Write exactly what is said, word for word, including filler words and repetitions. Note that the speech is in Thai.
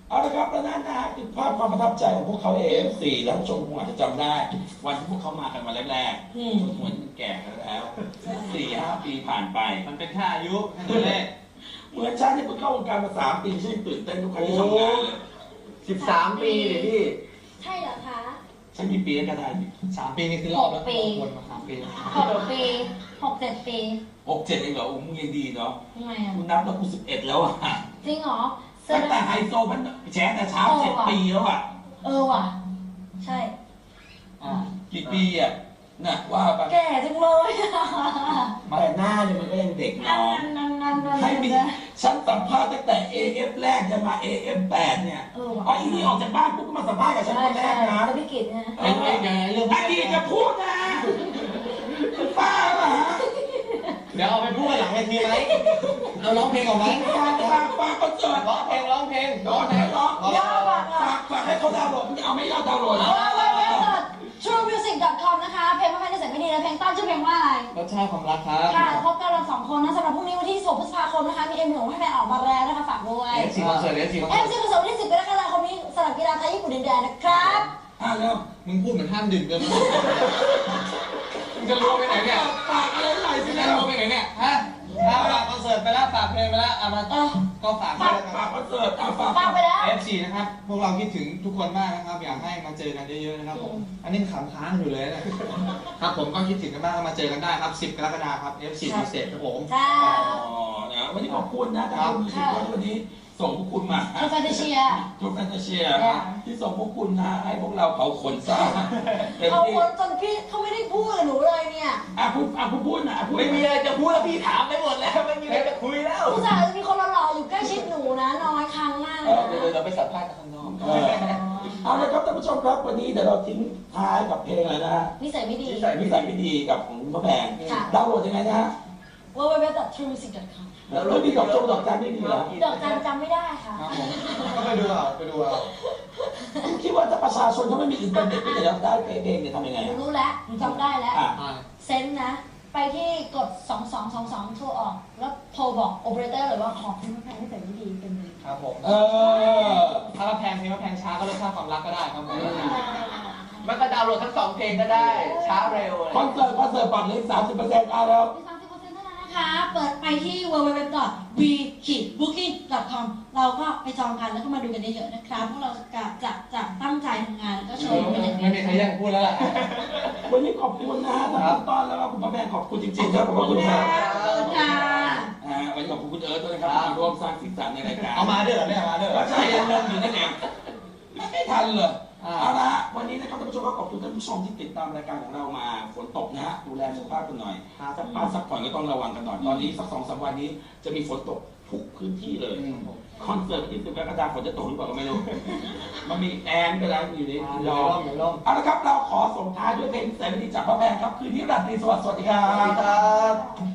เอาละครับแล้วนั่นนะฮะคือภาพความประทับใจของพวกเขาเอฟซีแล้วชมคงอาจจะจำได้ วันที่พวกเขามากันวันแรกๆจนเหมือนแก่กันแล้วสี่ห้าปีผ่านไปมันเป็นแค่อายุแค่ตัวเลขเหมือนฉันเนี่ยเพิ่งเข้าวงการมาสามปีฉันตื่นเต้นทุกครั้งที่ทำงานเลยสิบสามปีเลยพี่ใช่เหรอคะฉันมีปีกันได้สามปีนี่คือรอบแล้ววนมาสามปีหกปีหกเจ็ดปีหกเจ็ดเองเหรออุ้มยังดีเนาะทำไมอ่ะคุณนับแล้วกูสิบเอ็ดแล้วอ่ะจริงเหรอตั้งแต่ไฮโซมันแชร์แต่เช้าเจ็ดปีแล้วอ่ะเออว่ะใช่กี่ปีอ่ะน่ะว่าไปแก่จังเลยแต่หน้าเนี่ยมันก็ยังเด็กน้องให้มีฉันสัมภาษณ์ตั้งแต่ เอ เอฟ แรกจะมา เอ เอฟ แปดเนี่ยอ๋ออีนี่ออกจากบ้านปุ๊บก็มาสัมภาษณ์กับฉันคนแรกนะแล้วพี่กิตนะไอ้ไอ้ไงเรื่องอดีตจะพูดนะป้าเหรอเดี๋ยวเอาไปพูดหลังเวทีไหมเอาร้องเพลงออกไหมฝากฝากฝากคอนเสิร์ตร้องเพลงร้องเพลงร้องเพลงร้องฝากฝากให้เขาดาวน์โหลดเอาไม่ยอดดาวน์โหลดนะทรูมิวสิก ดอท คอม นะคะเพลงว่าแฟนจะเสร็จไม่ดีแล้วเพลงต้นชื่อเพลงว่าอะไรรสชาติความรักครับค่ะพบกันเราสองคนนะสำหรับพรุ่งนี้วันที่สิบหกพฤษภาคมนะคะมีเอ็มหนูให้แฟนออกมาแล้วนะคะฝากด้วยเอฟซีคอนเสิร์ตเอฟซีคอนเสิร์ตเอฟซีคอนเสิร์ตวันที่สิบกรกฎาคมนี้สำหรับกีฬาไทยญี่ปุ่นดินแดนนะครับอ่ะแล้วมึงพูดเหมือนห้ามดื่มเกินมึงจะรู้ไปไหนเนี่ยฝากอะไรหน่อยสิจะรู้ไปไหนเนี่ยฮะฝากคอนเสิร์ตไปแล้วฝากเพลงไปแล้วเอามาก็ฝากฝากฝากคอนเสิร์ตเอาฝากฝากไปแล้วเอฟซีนะครับพวกเราคิดถึงทุกคนมากนะครับอยากให้มาเจอกันเยอะๆนะครับผมอันนี้ขำค้างอยู่เลยนะครับผมก็คิดถึงกันมากมาเจอกันได้ครับสิบกรกฎาคมครับ เอฟ ซี พิเศษครับผมค่ะอ๋อนะวันนี้ขอบคุณนะครับวันนี้ส่งพวกคุณมาทูแฟนตาเชียทูแฟนตาเชียที่ส่งพวกคุณนะให้พวกเราเผาขนซ่าเขาขนจนพี่เขาไม่ได้พูดกับหนูเลยเนี่ยอ่ะพูดอ่ะพูดพูดนะพูดไม่มีอะไรจะพูดแล้วพี่ถามไปหมดแล้วไม่มีอะไรจะคุยแล้วผู้ชายจะมีคนหล่อๆอยู่ใกล้ชิดหนูนะน้อยครั้งมากเดี๋ยวเราไปสัมภาษณ์ข้างนอกเอาละครับท่านผู้ชมครับวันนี้เดี๋ยวเราทิ้งท้ายกับเพลงอะไรนะฮะนิสัยไม่ดีนิสัยนิสัยไม่ดีกับของพระแพงดาวน์โหลดยังไงนะฮะดับเบิลยู ดับเบิลยู ดับเบิลยู ดอท ทรูมิวสิก ดอท คอมแล้วเรามีดอกจงดอกจันไม่มีเหรอดอกจันจำไม่ได้ค่ะก็ไปดูเอาไปดูเอาคิดว่าถ้าประชาชนเขาไม่มีอินเทอร์เน็ตไม่ได้รับได้เพลงเนี่ยทำยังไงรู้แล้วจำได้แล้วเซนนะไปที่กดสองสองสองสองโทรออกแล้วโทรบอกโอเปอเรเตอร์เลยว่าขอเพลงแพงที่ใส่ไม่ดีเป็นเลยครับผมเออถ้าแพงเพลงว่าแพงช้าก็รสชาติความรักก็ได้ครับผมมันก็ดาวน์โหลดทั้งสองเพลงก็ได้ช้าเร็วคอนเสิร์ตคอนเสิร์ตบัตรเหลือสามสิบเปอร์เซ็นต์เอาแล้วสามสิบเปอร์เซ็นต์เท่านั้นนะคะเปิดไปที่ ดับเบิลยู ดับเบิลยู ดับเบิลยู ดอท วี บุ๊กิ้ง ดอท คอม เราก็ไปจองกันแล้วก็มาดูกันเยอะๆนะครับพวกเราจะจะจะตั้งใจทำงานแล้วก็โชว์ไม่มีใครแย่งพูดแล้วล่ะวันนี้ขอบคุณนะทั้งต้อนแล้วก็คุณพ่อแม่ขอบคุณจริงๆครับขอบคุณครับค่ะวันนี้ขอบคุณคุณเอิร์ธด้วยนะครับมาร่วมสร้างสีสันในรายการเอามาด้วยเหรอเนี่ยมาด้วยก็ใช่ยังงงอยู่นั่นเองไม่ทันเลยเอาละวันนี้นะครับท่านผู้ชมก็ขอบคุณท่านผู้ชมที่ติดตามรายการของเรามาฝนตกนะฮะดูแลสุขภาพกันหน่อยสักป้าสักผ่อนก็ต้องระวังกันหน่อยตอนนี้สักสองสามวันนี้จะมีฝนตกทุกพื้นที่เลยคอนเสิร์ตที่สิบกรกฎาคมฝนจะตกหรือเปล่าก็ไม่รู้มันมีแอนก็แล้วอยู่ในรอเอาละครับเราขอส่งท้ายด้วยเพลงแสนดีจากพระแพงครับคืนนี้ราตรีสวัสดิ์สวัสดีครับ